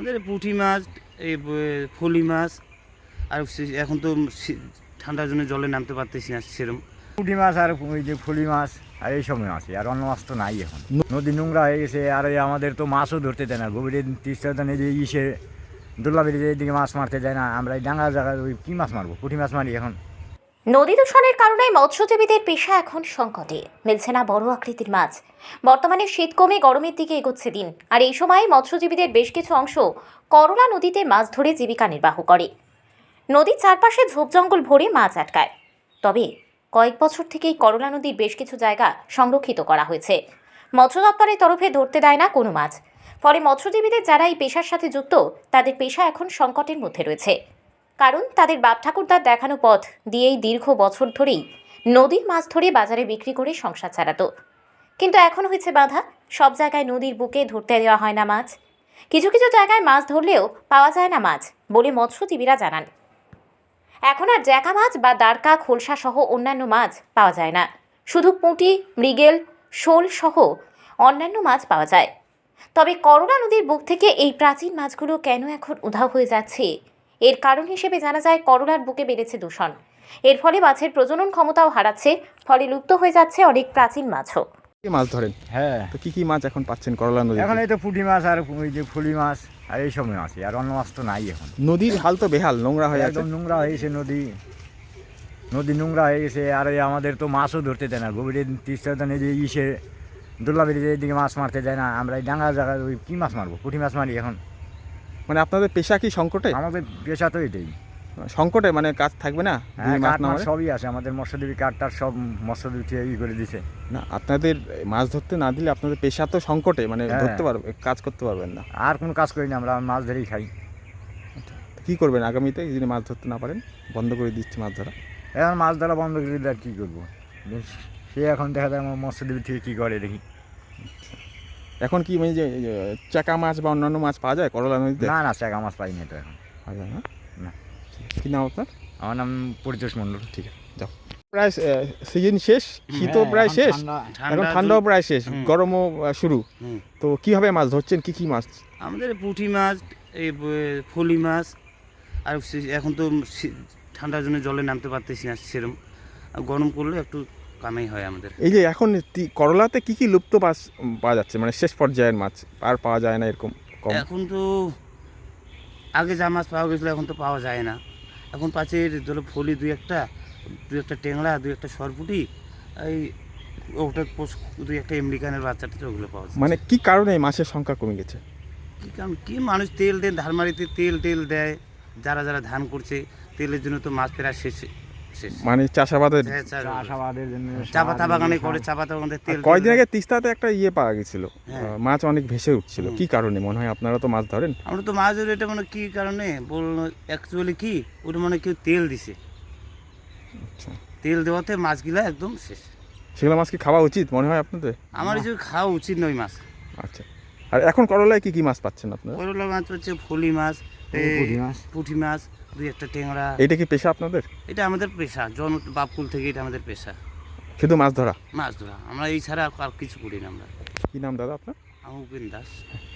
আমাদের পুঁটি মাছ, এই ফলি মাছ, আর এখন তো ঠান্ডার জন্য জলে নামতে পারতেছি না সেরকম। পুঁটি মাছ আর ওই যে ফলি মাছ আর এইসব মাছ, আর অন্য মাছ তো নাই এখন। নদী নোংরা হয়ে গেছে, আর এই আমাদের তো মাছও ধরতে দেয় না। গভীরে তিস্তা এই যে ইসে দুর্লাবির এদিকে মাছ মারতে যায় না। আমরা এই ডাঙ্গা জায়গায় ওই কী মাছ মারবো, পুঁটি মাছ মারি এখন। নদী দূষণের কারণে মৎস্যজীবীদের পেশা এখন সংকটে, মিলছে না বড় আকৃতির মাছ। বর্তমানে শীত কমে গরমের দিকে এগোচ্ছে দিন, আর এই সময় মৎস্যজীবীদের বেশ কিছু অংশ করলা নদীতে মাছ ধরে জীবিকা নির্বাহ করে। নদীর চারপাশে ঝোপ জঙ্গল ভরে মাছ আটকায়। তবে কয়েক বছর থেকেই করলা নদীর বেশ কিছু জায়গা সংরক্ষিত করা হয়েছে। মৎস্য দপ্তরের তরফে ধরতে দেয় না কোনো মাছ। ফলে মৎস্যজীবীদের যারা এই পেশার সাথে যুক্ত, তাদের পেশা এখন সংকটের মধ্যে রয়েছে। কারণ তাদের বাপ ঠাকুরদার দেখানো পথ দিয়েই দীর্ঘ বছর ধরেই নদীর মাছ ধরে বাজারে বিক্রি করে সংসার চালাতো। কিন্তু এখন হয়েছে বাধা, সব জায়গায় নদীর বুকে ধরতে দেওয়া হয় না মাছ। কিছু কিছু জায়গায় মাছ ধরলেও পাওয়া যায় না মাছ বলে মৎস্যজীবীরা জানান। এখন আর জ্যাকা মাছ বা দারকা, খোলসা সহ অন্যান্য মাছ পাওয়া যায় না। শুধু পুঁটি, মৃগেল, শোল সহ অন্যান্য মাছ পাওয়া যায়। তবে করলা নদীর বুক থেকে এই প্রাচীন মাছগুলো কেন এখন উধাও হয়ে যাচ্ছে, এর কারণ হিসেবে জানা যায় করলার বুকে বেড়েছে দূষণ। এর ফলে মাছের প্রজনন ক্ষমতাও হারাচ্ছে, ফলে লুপ্ত হয়ে যাচ্ছে অনেক প্রাচীন মাছও। কি মাছ ধরেন? হ্যাঁ, তো কি মাছ এখন পাচ্ছেন করলা নদী? এখন এই তো পুঁটি মাছ আর ওই যে ফলি মাছ আর এইসব মাছ, আর অন্য মাছ তো নাই এখন। নদীর হাল তো বেহাল, নোংরা হয়ে আছে। একদম নোংরা হয়ে গেছে নদী নোংরা হয়ে গেছে, আর এই আমাদের তো মাছও ধরতে দেয় না। গভীরে তিস্তা এই যে ইসে দুর্লাবির এদিকে মাছ মারতে যায় না। আমরা এই ডাঙ্গা জায়গায় ওই কী মাছ মারবো, পুঁটি মাছ মারি এখন। মানে আপনাদের পেশা কি সংকটে? আমাদের পেশা তো এটাই সংকটে, মানে কাজ থাকবে না? হ্যাঁ, মাছ কাঠ না মাছ মারে? সবই আছে আমাদের। মৎস্যজীবী কাঠটার সব মৎস্যজীবী ই করে দিছে। না, আপনাদের মাছ ধরতে না দিলে আপনাদের পেশা তো সংকটে, মানে হ্যাঁ। ধরতে পারবে, কাজ করতে পারবেন না। আর কোনো কাজ করি না, আমরা মাছ ধরেই খাই। তো কী করবেন আগামীতে যদি মাছ ধরতে না পারেন? বন্ধ করে দিচ্ছে মাছ ধরা। এখন মাছ ধরা বন্ধ করে দিলে আর কী করবো? সে এখন দেখা যায় আমার মৎস্যজীবী থেকে কী করে দেখি। এখন কি মানে যে চাকা মাছ বা অন্যান্য মাছ পাওয়া যায় করলা নদীতে? না, চ্যাকা মাছ পাই না তো এখন। পাওয়া যায় না? না। কি নাম আপনার? আমার নাম পরিতোষ মণ্ডল। ঠিক আছে, যাও। প্রায় সিজন শেষ, শীতও প্রায় শেষ, এখন ঠান্ডাও প্রায় শেষ, গরমও শুরু। তো কিভাবে মাছ ধরছেন, কি মাছ? আমাদের পুঁটি মাছ, এই ফলি মাছ, আর এখন তো ঠান্ডার জন্য জলে নামতে পারতেছি না সেরকম। গরম করলে একটু কামাই হয় আমাদের। এই যে এখন করলাতে কি লুপ্ত মাছ পাওয়া যাচ্ছে, মানে শেষ পর্যায়ের মাছ আর পাওয়া যায় না এরকম কম? এখন তো আগে যা মাছ পাওয়া গেছিলো এখন তো পাওয়া যায় না। এখন পাচ্ছে ধরো ফলি দুই একটা টেংরা, দুই একটা সরপুটি, এই ওটা দুই একটা আমেরিকানের বাচ্চাটা, ওগুলো পাওয়া যায়। মানে কি কারণে এই মাছের সংখ্যা কমে গেছে? কী কারণ, কি মানুষ তেল দেয়, ধানমারিতে তেল দেয়, যারা ধান করছে তেলের জন্য তো মাছ প্রায় শেষ। মানে চাষাবাদের চাষাবাদের জন্য চা পাতা বাগানে করে, চা পাতা বাগানে তেল। কয়েকদিন আগে তিস্তাতে একটা পাওয়া গেছিল, হ্যাঁ। মাছ অনেক ভেসে উঠছিল। কি কারণে মনে হয়? আপনারা তো মাছ ধরেন। আমরা তো মাছ ধরি, এটা মানে কি কারণে বললো, অ্যাকচুয়ালি কি ওটা মানে কেউ তেল দিছে। আচ্ছা, তেল দেওয়াতে মাছগুলা একদম শেষ। সেগুলো মাছ কি খাওয়া উচিত মনে হয় আপনাদের? আমার এই যে খাওয়া উচিত নয় মাছ। আচ্ছা, আর এখন করলায় কি মাছ পাচ্ছেন আপনারা? করলা মাছ হচ্ছে ফলি মাছ, পুঁটি মাছ, দুই একটা টেংরা। এটা কি পেশা আপনাদের? এটা আমাদের পেশা, বাপকুল থেকে এটা আমাদের পেশা, শুধু মাছ ধরা? মাছ ধরা। আমরা এই ছাড়া আর কিছু করি না আমরা। কি নাম দাদা আপনার? আমি উপেন দাস।